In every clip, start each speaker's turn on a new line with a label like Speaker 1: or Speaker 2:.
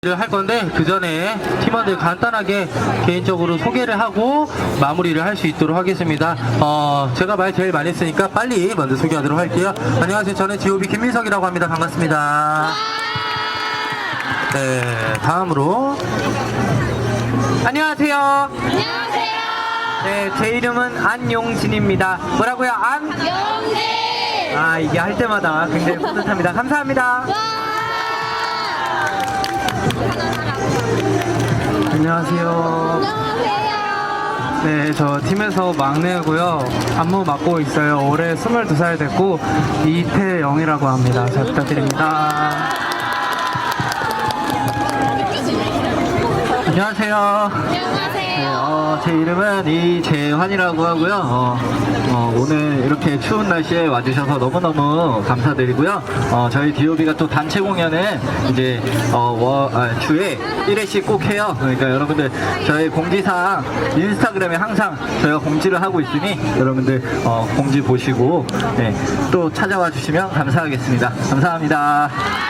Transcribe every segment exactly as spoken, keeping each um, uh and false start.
Speaker 1: 할 건데 그 전에 팀원들 간단하게 개인적으로 소개를 하고 마무리를 할 수 있도록 하겠습니다. 어, 제가 말 제일 많이 했으니까 빨리 먼저 소개하도록 할게요. 안녕하세요. 저는 지오비 김민석이라고 합니다. 반갑습니다. 네, 다음으로
Speaker 2: 안녕하세요.
Speaker 3: 안녕하세요.
Speaker 2: 네, 제 이름은 안용진입니다. 뭐라고요? 안?
Speaker 3: 용진.
Speaker 2: 아, 이게 할 때마다 굉장히 뿌듯합니다. 감사합니다. 안녕하세요.
Speaker 3: 안녕하세요.
Speaker 2: 네, 저 팀에서 막내고요. 안무 맡고 있어요. 올해 스물두 살 됐고 이태영이라고 합니다. 잘 부탁드립니다.
Speaker 1: 안녕하세요.
Speaker 3: 안녕하세요.
Speaker 1: 네, 어, 제 이름은 이재환이라고 하고요. 어, 어, 오늘 이렇게 추운 날씨에 와주셔서 너무너무 감사드리고요. 어, 저희 디오비가 또 단체 공연을 이제 어, 워, 아, 주에 일 회씩 꼭 해요. 그러니까 여러분들 저희 공지사항 인스타그램에 항상 저희가 공지를 하고 있으니 여러분들 어, 공지 보시고 네, 또 찾아와 주시면 감사하겠습니다. 감사합니다.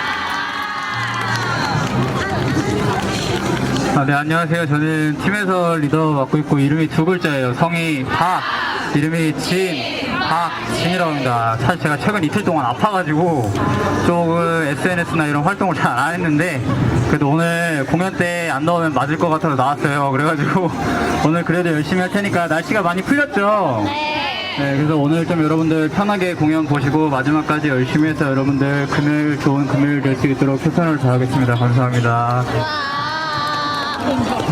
Speaker 1: 아, 네, 안녕하세요. 저는 팀에서 리더 맡고 있고 이름이 두 글자예요. 성이 박, 이름이 진, 박진이라고 합니다. 사실 제가 최근 이틀 동안 아파가지고 조금 에스엔에스나 이런 활동을 잘 안 했는데 그래도 오늘 공연 때 안 나오면 맞을 것 같아서 나왔어요. 그래가지고 오늘 그래도 열심히 할 테니까 날씨가 많이 풀렸죠?
Speaker 3: 네.
Speaker 1: 네, 그래서 오늘 좀 여러분들 편하게 공연 보시고 마지막까지 열심히 해서 여러분들 금요일 좋은 금요일 될 수 있도록 최선을 다하겠습니다. 감사합니다.
Speaker 3: 와.